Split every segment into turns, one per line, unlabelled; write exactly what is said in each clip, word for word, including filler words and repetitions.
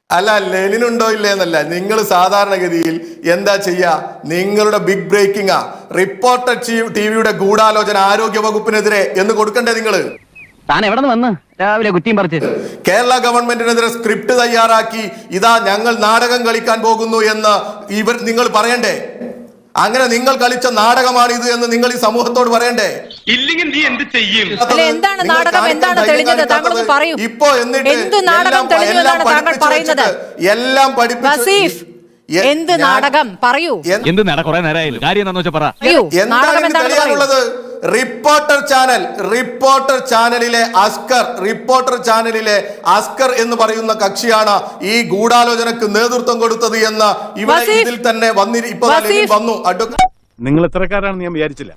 അല്ല, ലെനിനുണ്ടോ ഇല്ലേ എന്നല്ല, നിങ്ങൾ സാധാരണഗതിയിൽ എന്താ ചെയ്യാ? നിങ്ങളുടെ ബിഗ് ബ്രേക്കിംഗ് റിപ്പോർട്ടർ ടി വിയുടെ ഗൂഢാലോചന ആരോഗ്യ വകുപ്പിനെതിരെ എന്ന് കൊടുക്കണ്ടേ നിങ്ങൾ?
താൻ എവിടെ നിന്ന് വന്ന് രാവിലെ കുറ്റിയും പറിച്ച്
കേരള ഗവൺമെന്റിനെതിരെ സ്ക്രിപ്റ്റ് തയ്യാറാക്കി ഇതാ ഞങ്ങൾ നാടകം കളിക്കാൻ പോകുന്നു എന്ന് ഇവർ നിങ്ങൾ പറയണ്ടേ? അങ്ങനെ നിങ്ങൾ കളിച്ച നാടകമാണ് ഇത് എന്ന് നിങ്ങൾ ഈ സമൂഹത്തോട് പറയണ്ടേ?
ഇല്ലെങ്കിൽ നീ എന്ത് ചെയ്യും?
എന്താണ് നാടകം? എന്താണ് തെളിഞ്ഞത്? താങ്കൾ പറയൂ.
ഇപ്പോ എന്നിട്ട്
എന്ത് നാടകം തെളിഞ്ഞു എന്നാണ് താങ്കൾ പറയുന്നത്?
എല്ലാം പഠിപ്പിച്ചു.
എന്ത് നാടകം പറയൂ.
എന്ത് നട കുറെ നേരമായില്ല, കാര്യം എന്താണെന്ന് വെച്ചാൽ പറ.
എന്താണ് തെളിയാനുള്ളത്? റിപ്പോർട്ടർ ചാനൽ റിപ്പോർട്ടർ ചാനലിലെ അസ്കർ റിപ്പോർട്ടർ ചാനലിലെ അസ്കർ എന്ന് പറയുന്ന കക്ഷിയാണ് ഈ ഗൂഢാലോചനക്ക് നേതൃത്വം കൊടുത്തത് എന്ന് ഇവിടെ ഇതിൽ തന്നെ വന്നി ഇപ്പൊ വന്നു.
നിങ്ങൾ ഇത്രക്കാരാണെന്ന് ഞാൻ വിചാരിച്ചില്ല.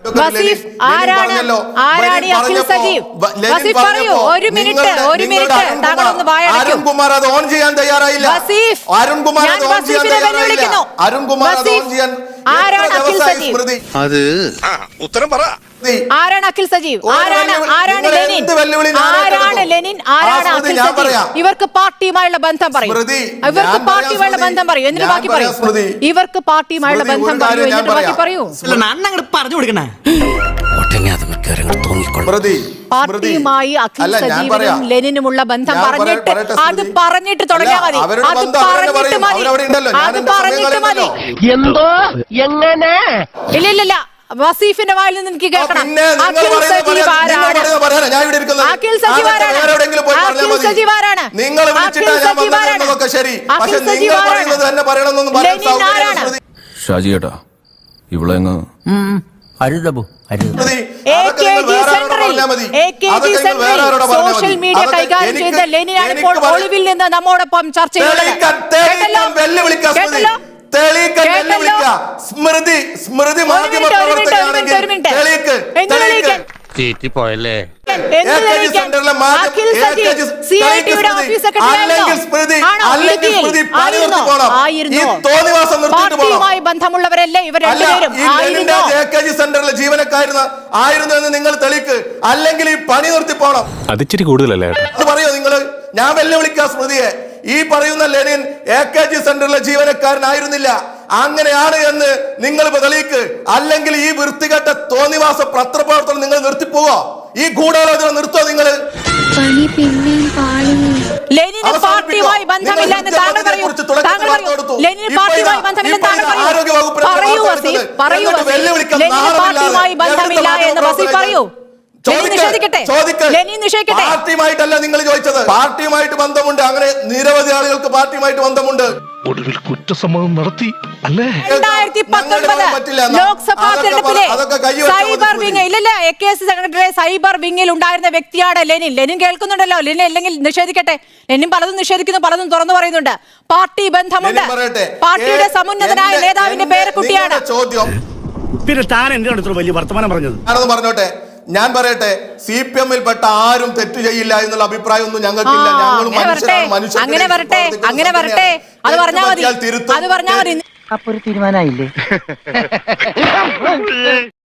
അരുൺകുമാർ അത് ഓൺ ചെയ്യാൻ തയ്യാറായില്ല. അരുൺകുമാർ അത് ഓൺ ചെയ്യാൻ തയ്യാറായില്ല. അരുൺകുമാർ അത് ഓൺ ചെയ്യാൻ
അത് ഉത്തരം പറ.
ആരാണ് അഖിൽ സജീവ്? ആരാണ് ആരാണ് ലെനിൻ? ആരാണ് ലെനിൻ? ആരാണ് അഖിൽ സജീവ്? ഇവർക്ക് പാർട്ടിയുമായുള്ള ബന്ധം പറയും. ഇവർക്ക് പാർട്ടിയുമായുള്ള ബന്ധം പറയൂ. എന്നിട്ട് ബാക്കി പറയൂ. ഇവർക്ക് പാർട്ടിയുമായുള്ള ബന്ധം പറയൂ. എന്നിട്ട് ബാക്കി പറയൂ.
പറഞ്ഞു കൊടുക്കണേ.
പാർട്ടിയുമായി അഖിൽ സജീവനും ലെനിനുമുള്ള ബന്ധം പറഞ്ഞിട്ട് അത് പറഞ്ഞിട്ട് തുടങ്ങിയാൽ മതി. അത് പറഞ്ഞിട്ട് മതി. അത് പറഞ്ഞിട്ട് മതി.
എന്തോ എങ്ങനെ?
ഇല്ല ഇല്ല ഇല്ല വസീഫിന്റെ വായിൽ നിന്ന് എനിക്ക് കേൾക്കണം. അഖിൽ സജീവ് ആരാണ്? അഖിൽ സജീവ് ആരാണ്? അഖിൽ സജീവ് ആരാണ്? അഖിൽ സജീവ് ആരാണ്? അഖിൽ സജീവ് ആരാണ്? ലെനിൻ ആരാണ്?
ഷാജി ഏട്ടാ ഇവിടെ
സോഷ്യൽ മീഡിയ കൈകാര്യം ചെയ്ത ലെനിനാണ് ഇപ്പോൾ ഒളിവിൽ നിന്ന് നമ്മോടൊപ്പം ചർച്ച ചെയ്യുന്നത്.
സ്മൃതി സ്മൃതി മാധ്യമ
പോയല്ലേ?
പാർട്ടിയുമായി ബന്ധമുള്ളവരല്ലേ ഇവർ രണ്ടുപേരും?
സെന്ററിലെ ജീവനക്കാരുന്ന ആയിരുന്നു എന്ന് നിങ്ങൾ തെളിക്ക്, അല്ലെങ്കിൽ ഈ പണി നിർത്തി പോണം.
അതിച്ചിരി കൂടുതലല്ലേ
അത് പറയോ നിങ്ങള്? ഞാൻ വെല്ലുവിളിക്കാം സ്മൃതിയെ. ഈ പറയുന്ന ലെനിൻ എ കെ ജി സെന്ററിലെ ജീവനക്കാരനായിരുന്നില്ല. അങ്ങനെയാണ് എന്ന് നിങ്ങൾ തെളിയിക്ക്, അല്ലെങ്കിൽ ഈ വൃത്തികെട്ട തോന്നിവാസ പത്രപ്രവർത്തനം നിങ്ങൾ നിർത്തിപ്പോവോ? ഈ ഗൂഢാലോചന നിർത്തോ നിങ്ങള്?
ലെനിന് പാർട്ടിയുമായി ബന്ധമില്ല എന്ന് താങ്കൾ പറയൂ. താങ്കൾ പറയൂ ലെനിന് പാർട്ടിയുമായി ബന്ധമില്ലെന്ന് താങ്കൾ പറയൂ. പറയൂ വസീഫ്, പറയൂ വസീഫ്. ലെനിന് പാർട്ടിയുമായി ബന്ധമില്ല എന്ന് വസീഫ് പറയൂ.
പാർട്ടിയുമായിട്ടല്ല നിങ്ങൾ ചോദിച്ചത്. പാർട്ടിയുമായിട്ട് ബന്ധമുണ്ട്. അങ്ങനെ നിരവധി ആളുകൾക്ക് പാർട്ടിയുമായിട്ട് ബന്ധമുണ്ട്.
ഒടുവിൽ കുറ്റസമ്മതം നടത്തി അല്ലേ?
രണ്ടായിരത്തി പത്തൊൻപത് ലോക്സഭാ തെരഞ്ഞെടുപ്പിലെ സൈബർ വിങ് ഇല്ലല്ല A K S secretary cyber വിങ്ങിൽ ഉണ്ടായിരുന്ന വ്യക്തിയാണ് ലെനിൻ. ലെനിൻ കേൾക്കുന്നുണ്ടല്ലോ. ലെനിൻ അല്ലെങ്കിൽ നിഷേധിക്കട്ടെ. ലെനിൻ പലതും നിഷേധിക്കുന്നു, പലതും തുറന്നു പറയുന്നുണ്ട്. പാർട്ടി ബന്ധമുണ്ട്. പാർട്ടിയുടെ സമുന്നതനായ നേതാവിന്റെ പേരക്കുട്ടിയാണ്.
ചോദ്യം
പിന്നെ താൻ എന്തിനാണ് വലിയ വർത്തമാനം പറഞ്ഞത്?
ഞാനത് പറഞ്ഞോട്ടെ. ഞാൻ പറയട്ടെ, സി പി എമ്മിൽ പെട്ട ആരും തെറ്റ് ചെയ്യില്ല എന്നുള്ള അഭിപ്രായം ഒന്നും ഞങ്ങൾക്കില്ല. ഞങ്ങൾ മനുഷ്യരാണ്.
അങ്ങനെ വരട്ടെ, അങ്ങനെ വരട്ടെ. അത് പറഞ്ഞാൽ മതി. അത് പറഞ്ഞാൽ മതി.
അപ്പൊ ഒരു തീരുമാനമായില്ലേ?